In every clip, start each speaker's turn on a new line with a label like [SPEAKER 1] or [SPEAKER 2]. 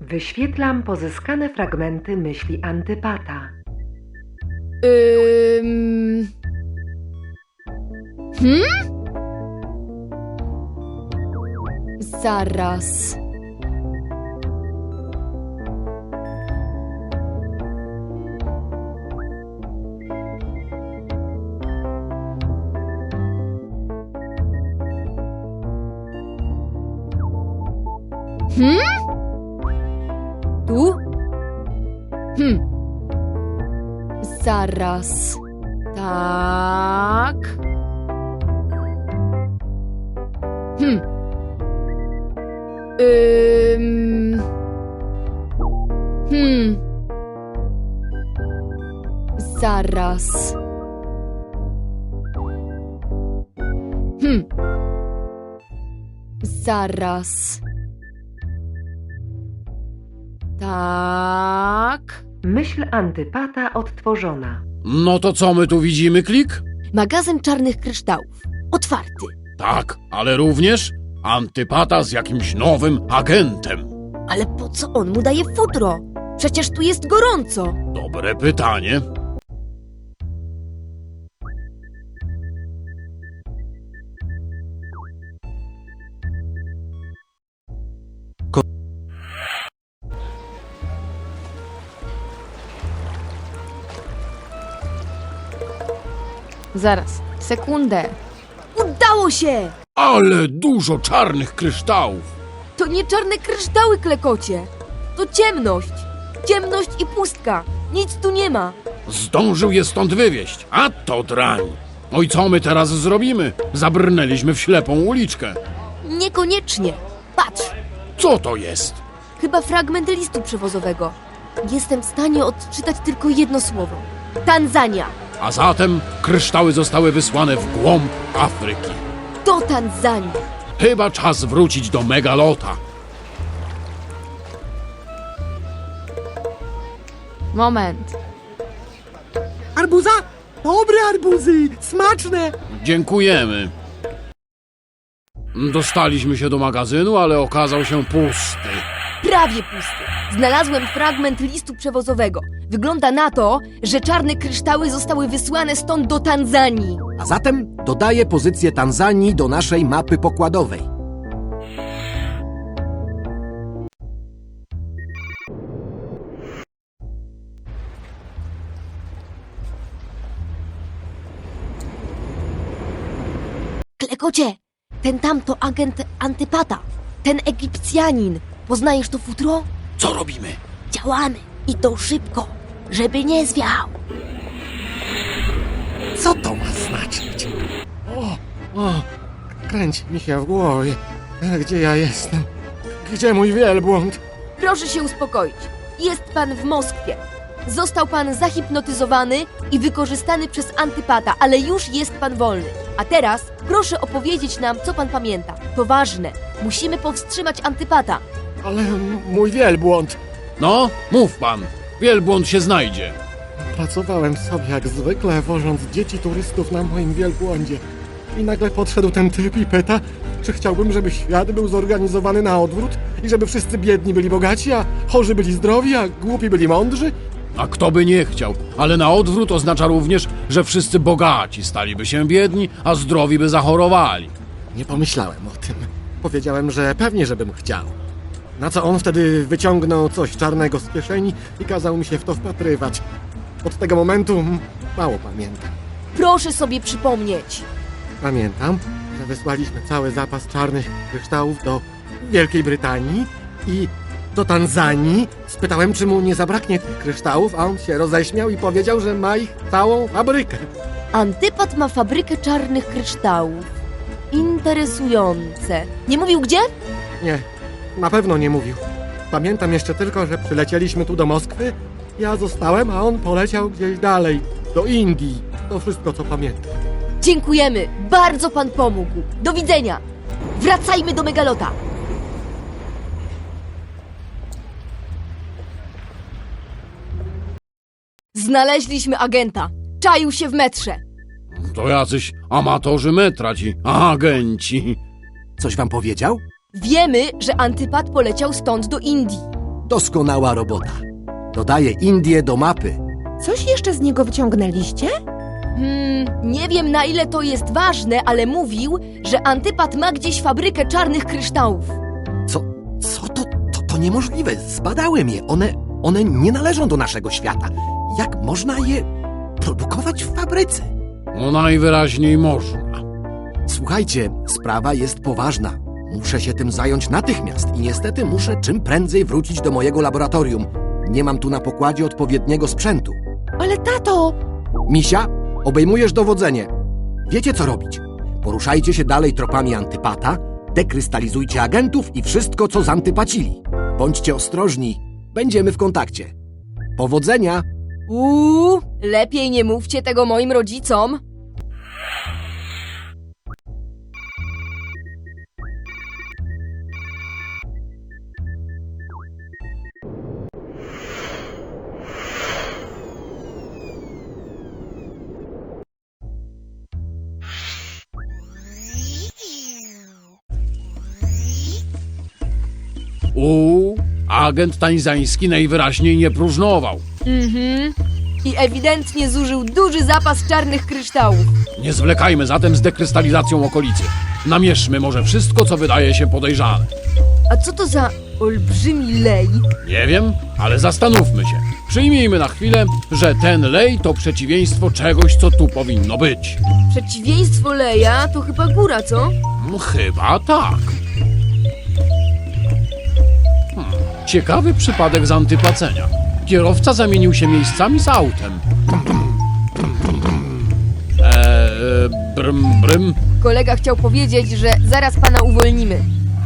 [SPEAKER 1] Wyświetlam pozyskane fragmenty myśli Antypata.
[SPEAKER 2] Zaraz. Tu? Zaraz. Tak. Zaraz. Zaraz. Tak.
[SPEAKER 1] Myśl Antypata odtworzona.
[SPEAKER 3] No to co my tu widzimy, Klik?
[SPEAKER 2] Magazyn czarnych kryształów. Otwarty.
[SPEAKER 3] Tak, ale również Antypata z jakimś nowym agentem.
[SPEAKER 2] Ale po co on mu daje futro? Przecież tu jest gorąco.
[SPEAKER 3] Dobre pytanie.
[SPEAKER 2] Zaraz. Sekundę. Udało się!
[SPEAKER 3] Ale dużo czarnych kryształów.
[SPEAKER 2] To nie czarne kryształy, Klekocie. To ciemność. Ciemność i pustka. Nic tu nie ma.
[SPEAKER 3] Zdążył je stąd wywieźć, a to drań. No i co my teraz zrobimy? Zabrnęliśmy w ślepą uliczkę.
[SPEAKER 2] Niekoniecznie. Patrz.
[SPEAKER 3] Co to jest?
[SPEAKER 2] Chyba fragment listu przewozowego. Jestem w stanie odczytać tylko jedno słowo. Tanzania.
[SPEAKER 3] A zatem kryształy zostały wysłane w głąb Afryki.
[SPEAKER 2] Do Tanzanii.
[SPEAKER 3] Chyba czas wrócić do Megalota.
[SPEAKER 2] Moment.
[SPEAKER 4] Arbuza? Dobre arbuzy! Smaczne!
[SPEAKER 3] Dziękujemy. Dostaliśmy się do magazynu, ale okazał się pusty.
[SPEAKER 2] Prawie pusty. Znalazłem fragment listu przewozowego. Wygląda na to, że czarne kryształy zostały wysłane stąd do Tanzanii.
[SPEAKER 4] A zatem dodaję pozycję Tanzanii do naszej mapy pokładowej.
[SPEAKER 2] Klekocie, ten tam to agent Antypata. Ten Egipcjanin. Poznajesz to futro?
[SPEAKER 3] Co robimy?
[SPEAKER 2] Działamy. I to szybko, żeby nie zwiał.
[SPEAKER 4] Co to ma znaczyć? O, kręci mi się w głowie. Gdzie ja jestem? Gdzie mój wielbłąd?
[SPEAKER 2] Proszę się uspokoić. Jest pan w Moskwie. Został pan zahipnotyzowany i wykorzystany przez Antypata, ale już jest pan wolny. A teraz proszę opowiedzieć nam, co pan pamięta. To ważne. Musimy powstrzymać Antypata.
[SPEAKER 4] Ale mój wielbłąd.
[SPEAKER 3] No, mów pan. Wielbłąd się znajdzie.
[SPEAKER 4] Pracowałem sobie jak zwykle, wożąc dzieci turystów na moim wielbłądzie. I nagle podszedł ten typ i pyta, czy chciałbym, żeby świat był zorganizowany na odwrót i żeby wszyscy biedni byli bogaci, a chorzy byli zdrowi, a głupi byli mądrzy.
[SPEAKER 3] A kto by nie chciał, ale na odwrót oznacza również, że wszyscy bogaci staliby się biedni, a zdrowi by zachorowali.
[SPEAKER 4] Nie pomyślałem o tym. Powiedziałem, że pewnie, żebym chciał. Na co on wtedy wyciągnął coś czarnego z kieszeni i kazał mi się w to wpatrywać. Od tego momentu mało pamiętam.
[SPEAKER 2] Proszę sobie przypomnieć.
[SPEAKER 4] Pamiętam, że wysłaliśmy cały zapas czarnych kryształów do Wielkiej Brytanii i do Tanzanii. Spytałem, czy mu nie zabraknie tych kryształów, a on się roześmiał i powiedział, że ma ich całą fabrykę.
[SPEAKER 2] Antypat ma fabrykę czarnych kryształów. Interesujące. Nie mówił gdzie?
[SPEAKER 4] Nie, na pewno nie mówił. Pamiętam jeszcze tylko, że przylecieliśmy tu do Moskwy, ja zostałem, a on poleciał gdzieś dalej, do Indii. To wszystko, co pamiętam.
[SPEAKER 2] Dziękujemy. Bardzo pan pomógł. Do widzenia. Wracajmy do Megalota. Znaleźliśmy agenta. Czaił się w metrze.
[SPEAKER 3] To jacyś amatorzy metra ci, agenci.
[SPEAKER 4] Coś wam powiedział?
[SPEAKER 2] Wiemy, że Antypat poleciał stąd do Indii.
[SPEAKER 5] Doskonała robota. Dodaję Indię do mapy.
[SPEAKER 6] Coś jeszcze z niego wyciągnęliście?
[SPEAKER 2] Nie wiem na ile to jest ważne, ale mówił, że Antypat ma gdzieś fabrykę czarnych kryształów.
[SPEAKER 5] Co to niemożliwe. Zbadałem je. One nie należą do naszego świata. Jak można je produkować w fabryce?
[SPEAKER 3] No najwyraźniej można.
[SPEAKER 5] Słuchajcie, sprawa jest poważna. Muszę się tym zająć natychmiast i niestety muszę czym prędzej wrócić do mojego laboratorium. Nie mam tu na pokładzie odpowiedniego sprzętu.
[SPEAKER 6] Ale tato!
[SPEAKER 5] Misia, obejmujesz dowodzenie. Wiecie co robić. Poruszajcie się dalej tropami Antypata, dekrystalizujcie agentów i wszystko, co zantypacili. Bądźcie ostrożni. Będziemy w kontakcie. Powodzenia!
[SPEAKER 2] Lepiej nie mówcie tego moim rodzicom.
[SPEAKER 3] Agent tańzański najwyraźniej nie próżnował.
[SPEAKER 2] I ewidentnie zużył duży zapas czarnych kryształów.
[SPEAKER 3] Nie zwlekajmy zatem z dekrystalizacją okolicy. Namieszmy może wszystko, co wydaje się podejrzane.
[SPEAKER 2] A co to za olbrzymi lej?
[SPEAKER 3] Nie wiem, ale zastanówmy się. Przyjmijmy na chwilę, że ten lej to przeciwieństwo czegoś, co tu powinno być.
[SPEAKER 2] Przeciwieństwo leja to chyba góra, co?
[SPEAKER 3] Chyba tak. Ciekawy przypadek z antypacenia. Kierowca zamienił się miejscami z autem. Brym, brym.
[SPEAKER 2] Kolega chciał powiedzieć, że zaraz pana uwolnimy.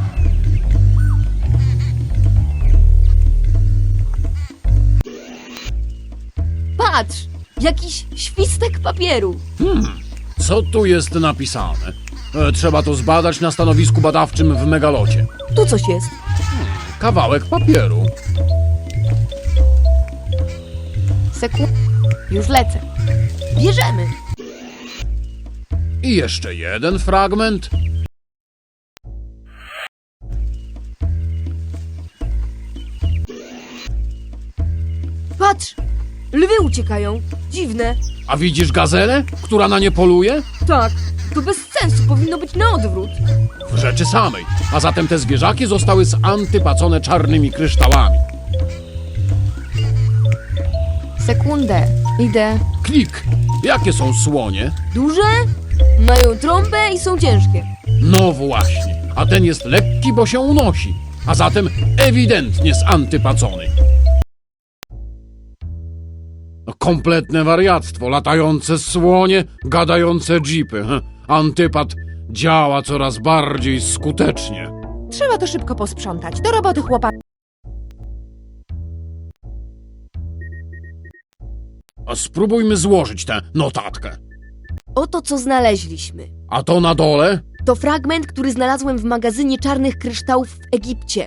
[SPEAKER 2] Patrz! Jakiś świstek papieru.
[SPEAKER 3] Co tu jest napisane? Trzeba to zbadać na stanowisku badawczym w megalocie.
[SPEAKER 2] Tu coś jest.
[SPEAKER 3] Kawałek papieru.
[SPEAKER 2] Już lecę. Bierzemy.
[SPEAKER 3] I jeszcze jeden fragment.
[SPEAKER 2] Patrz! Lwy uciekają. Dziwne.
[SPEAKER 3] A widzisz gazelę, która na nie poluje?
[SPEAKER 2] Tak, to bez sensu. Powinno być na odwrót.
[SPEAKER 3] W rzeczy samej. A zatem te zwierzaki zostały zantypacone czarnymi kryształami.
[SPEAKER 2] Sekundę. Idę.
[SPEAKER 3] Klik. Jakie są słonie?
[SPEAKER 2] Duże? Mają trąbę i są ciężkie.
[SPEAKER 3] No właśnie. A ten jest lekki, bo się unosi. A zatem ewidentnie zantypacony. No, kompletne wariactwo. Latające słonie, gadające dżipy. Antypat działa coraz bardziej skutecznie.
[SPEAKER 6] Trzeba to szybko posprzątać. Do roboty, chłopaki.
[SPEAKER 3] A spróbujmy złożyć tę notatkę.
[SPEAKER 2] Oto co znaleźliśmy.
[SPEAKER 3] A to na dole?
[SPEAKER 2] To fragment, który znalazłem w magazynie czarnych kryształów w Egipcie.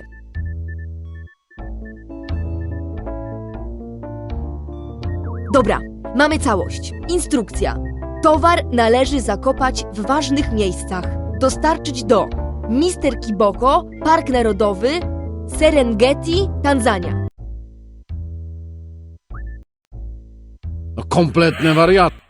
[SPEAKER 2] Dobra, mamy całość. Instrukcja. Towar należy zakopać w ważnych miejscach. Dostarczyć do Mister Kiboko, Park Narodowy, Serengeti, Tanzania.
[SPEAKER 3] No, kompletne wariactwo.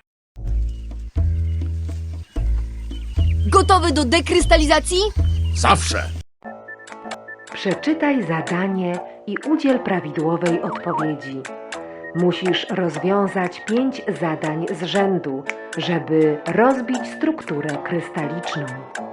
[SPEAKER 2] Gotowy do dekrystalizacji?
[SPEAKER 3] Zawsze.
[SPEAKER 1] Przeczytaj zadanie i udziel prawidłowej odpowiedzi. Musisz rozwiązać 5 zadań z rzędu, żeby rozbić strukturę krystaliczną.